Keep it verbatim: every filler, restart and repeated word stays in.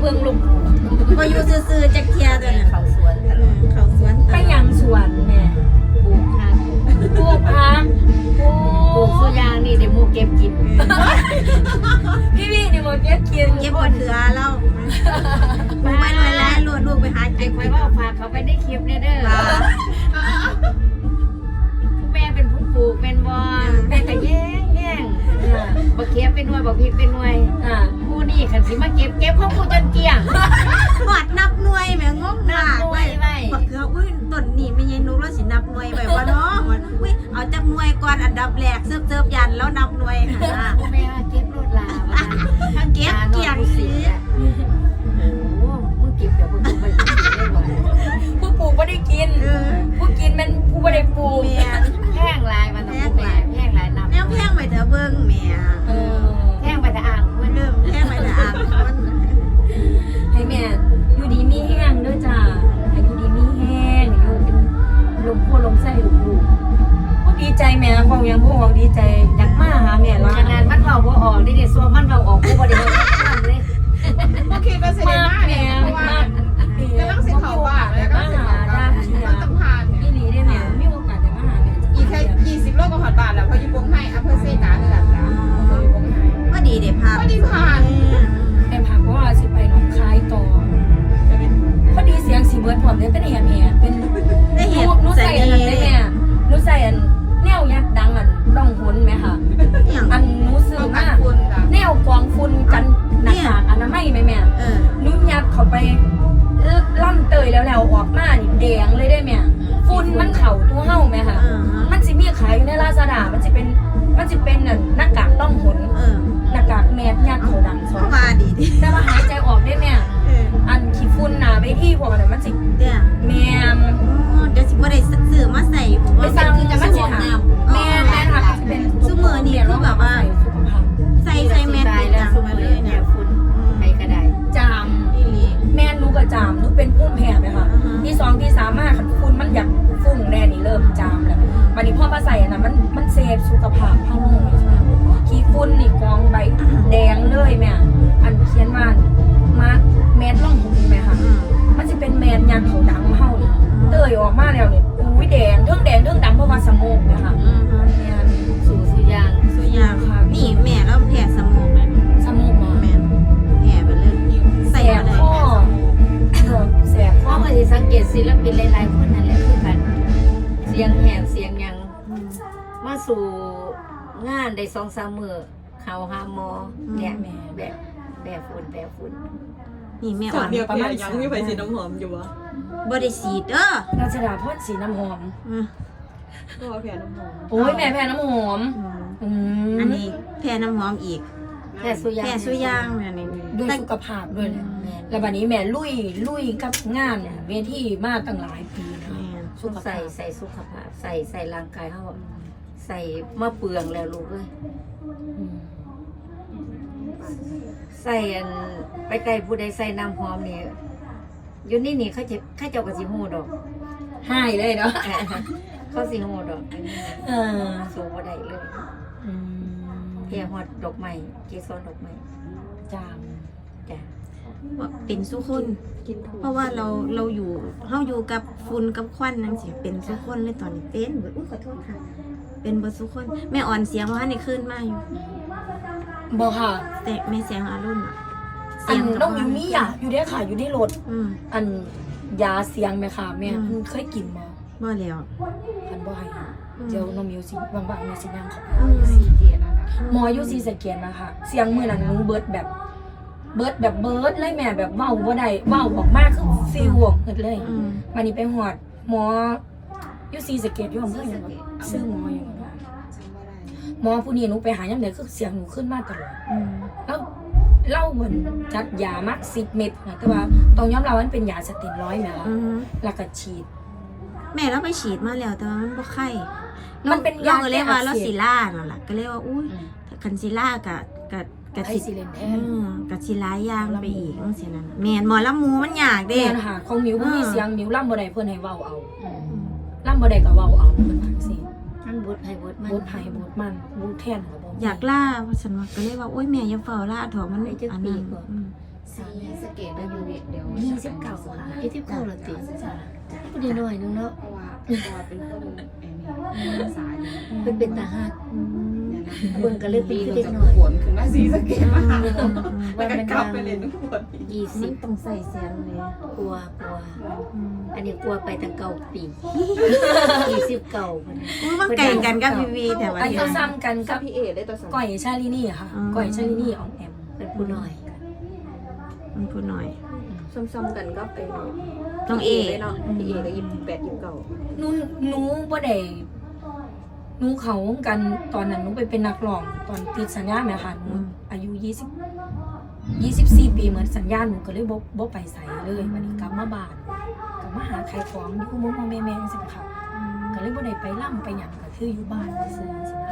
บิ่งลูกก็อยู่ซื่อๆจักเทียตัวน่ะเขาสวนตลอดเขาสวนไปยังสวนแม่ปลูกผักปลูกผักปลูกสุยางนี่เดี๋ยวมูเก็บกินพี่พี่นี่มูเก็บกินเก็บบ่เถือเราบ่ไปหลายๆโลดลูกไปหาเก็บไว้ว่าฝากเขาไปได้คลิปเนี่ยเด้อแม่เป็นผู้ปลูกเป็นบ่แม่ก็แย่งแย่งบ่เก็บเป็นหน่วยบ่พริกเป็นหน่วยผู้นี่คันสิมาเก็บเก็บของผู้จนเกลี้ยงหอดนับหน่วยแม่งงมากเว้ยบักเกืออุ้ยต้นนี่แม่ยายนุกแล้วสินับหน่วยไว้บ่เนาะอุ้ยเอาจักหน่วยก่อนอันดับแรกเสิร์ฟๆยันแล้วนับหน่วยค่ะแม่เก็บรถลาทั้งเก็บเกี่ยงสิโอ้มึงเก็บเดี๋ยวมึงไปกินได้บ่ผู้ปลูกบ่ได้กินผู้กินมันผู้บ่ได้ปลูกแห้งลายมันต้องแม่แห้งลายนับแนวแพงไปเถอะเบิ่งแม่เออแห้งไปแต่อ่างเพิ่นเริ่มแพงไปแต่อ่างมันให้แม่อยู่ดีมีแห้งเด้อจ้าให้อยู่ดีมีแห้งอยู่เป็นลมโพลมไส้ลูกๆผู้ดีใจแม่ฟังยังผู้ฟังดีใจอยากมาหาแม่ละงานมันเว้าบ่ออกนี่เด้ซัวมันเว้าออกกูบ่ได้เว้าทำเลยโอเคก็เสด็จมาเนี่ยเพราะว่ากำลังสิเข้าบ้านแล้วก็สิเข้าบ้านมันต้องผ่านอีเนี่ยหลีได้แม่มีโอกาสได้มาหาแม่อีกแค่ยี่สิบโลก็ฮอดบ้านแล้วเพราะอยู่ปงไห้อำเภอเซกานี่แหละจ้ะอยู่ปงไห้ก็ดีเด้พาก็ดีผ่านแต่ผ่านเพราะว่าสิไปหนองคายต่อพอดีเสียงสีเบิร์ดผมเนี่ยเป็นแหบแหบเป็นได้เห็นรู้ใส่อันนั้นได้แม่รู้ใส่อันแนวยักษ์ดังอันร่องหุนไหมค่ะอันนู้ซื้อมากแนวกองฝุ่นกันหนักๆอันนั้นไม่ไหมแม่นู้ยัดเข้าไปล่ำเตยแล้วแล้วออกมานี่แดงเลยได้แม่ฝุ่นมันเข่าตัวเห่าไหมค่ะมันจะมีขายอยู่ในลาซาด้ามันจะเป็นมันจะเป็นหน้ากากร่องหุนหน้ากากแมสยัดเขาดังสองมาดีดิแต่ว่าหายใจออกได้แม่อันขี้ฝุ่นหนาไปที่พวกนั้นมันสิเดี๋ยวแม่เดี๋ยวสิบ่ได้ซื้อมาใส่ผมว่าสั่งจะมาสวมน้ำแม่แม่ค่ะเป็นซุมื้อนี้คือแบบว่าใส่ใส่แมสติดจังมาเลยเนี่ยฝุ่นไปก็ได้จามอีหลีแม่นูก็จามนูเป็นพุ่มแพ้ไหมคะที่สองที่สามมากฝุ่นมันอยากฟุ้งแน่นี่เริ่มจามแล้ววันนี้พ่อมาใส่อันนั้นมันมันเซฟสุขภาพเฮาลงขี้ฝุ่นนี่กองใบแดงเลยแม่อันเขียนว่ามาแมสร่องหูไหมคะมันจะเป็นแมสยันเขาดังเฮาเตยออกมาแล้วเนี่ยอุ้ยแดงเทิงแดงเทิงดำเพราะว่าสมองนะคะเนี่ยสู่สุยางสุยางค่ะนี่แม่แล้วแพ้สมองเลยสมองมาแม่แพ้ไปเลยใส่ข้อแสบข้อเมื่อที่สังเกตศิลปินหลายๆคนนั่นแหละคือกันเสียงแหบเสียงยังมาสู่งานได้สองสามมือเขาหาหมอเนี่ยแม่แบบแบบฝุ่นแบบฝุ่นนี่แม่อ่อนประมาณยังมีไฟสีน้ำหอมอยู่วะบริสีเด้อราชดาพ่นสีน้ำหอมก็แพ้น้ำหอมโอ้ยแม่แพ้น้ำหอมอันนี้แพ้น้ำหอมอีกแพ้สุยางแพ้สุยางเนี่ยนี่ด้วยสุขภาพด้วยนะแล้วบัดนี้แม่ลุยลุยกับงานเนี่ยเวทีมาตั้งหลายปีนะสุขใส่ใส่สุขภาพใส่ใส่ร่างกายเขาใส่มาเปลืองแล้วลูกเลยใส่อันไปไกลผู้ใดใส่น้ำหอมนี่อยู่นี่นี่เขาจะเขาเจ้ากระสีหูดอกให้เลยเนาะเขาสีหูดอกเออสูบได้เลยเพียงหอดดอกไม้เกสรดอกไม้จามจ้ะเป็นสุคนเพราะว่าเราเราอยู่เราอยู่กับฝุ่นกับควันนั่นสิเป็นสุคนเลยตอนนี้เป็นเบิดอุ้ยขอโทษค่ะเป็นเบิดสุคนแม่อ่อนเสียงว่าในคืนมาอยู่บอกค่ะแต่แม่เสียงอารุ่นอันต้องอยู่นี่อ่ะอยู่ได้ค่ะอยู่ได้รถอันยาเสียงไหมค่ะแม่เคยกินมาบ่แล้วอันบ่ให้เจ้าน้องมิวสิบางบางมีสิยังเขาหมออยู่ซีสเกียนนะคะเสียงมือนั้นนุ่งเบิร์ดแบบเบิร์ดแบบเบิร์ดเลยแม่แบบเว้าบ่ได้เว้าบอกมากคือซีห่วงเกิดเลยวันนี้ไปหอดหมออยู่ซีสเกียนอยู่อำเภออย่างซื้อหมออย่างหมอผู้นี้หนูไปหายังไงคือเสียงหนูขึ้นมากตลอดแล้วเล่าเหมือนจัดยามักสิบเม็ดนะแต่ว่าตรงย้อมเรามันเป็นยาสเตียรอยด์ไหมคะแล้วก็ฉีดแม่เราไปฉีดมาแล้วแต่ว่ามันบ่ไข้มันเป็นยาก็เรียกว่าเราซิล่านั่นแหละก็เรียกว่าอุ้ยคันซิล่ากับกับกับซิเลนแทนกับซิล่ายางไปอีกต้องเสียนั่นแม่หมอลำมูมันยากเด้ค่ะของมิวผู้มีเสียงมิวล่ำบ่ได้เพื่อนให้เว้าเอาล่ำบ่ได้ก็เว้าเอาเพื่อนสิมันบูดไผ่บูดมันบูดไผ่บูดมันบูดแทนอยากล่าเพราะฉันว่าก็เลยว่าโอ๊ยแม่อย่าเฝ้าล่าถอดมันอันนั้นสสีสะเกตได้อยู่เดี๋ยวยี่สิบเก้าค่ะยี่สิบเก้าละติพูดได้หน่อยนึงเนาะเพราะว่าเพราะว่าเป็นคนไอ้นี่สายเป็นเป็นตาหักอืมเบิ่งก็เลยเป็นปีคือก็เด็กจะน้อยขวนขึ้นมาสีสะเกตมาแล้วก็กลับไปเล่นทุกคนยี่สิมับนต้องใส่เสียงเลยกลัวกลัวอืมอันนี้กลัวไปตั้งเก้าปียี่สิบเก้าคนอุ้ยมันไก่กันกับพี่วีแต่ว่าอายุเดี๋ยวซ้ำกันกับพี่เอได้ตัวสั่งก่อยชาลินี่ค่ะก่อยชาลินี่ออมแอมเป็นผู้น้อยมันพูดหน่อยซ้ำๆกันก็ไอ้น้องเอเนาะพี่เอก็ยี่สิบแปดยี่สิบเก้าหนูหนูบ่ได้หนูเขาวงกันตอนนั้นหนูไปเป็นนักร้องตอนติดสัญญาแม่ค่ะหนูอายุยี่สิบ ยี่สิบสี่ปีเหมือนสัญญาหนูก็เลยบ่บ่ไปใส่เลยวันนี้กลับมาบ้านกลับมาหาใครของอยู่มุมแม่แม่จังซี่ค่ะก็เลยบ่ได้ไปล่ำไปหยังก็คืออยู่บ้านซื่อๆ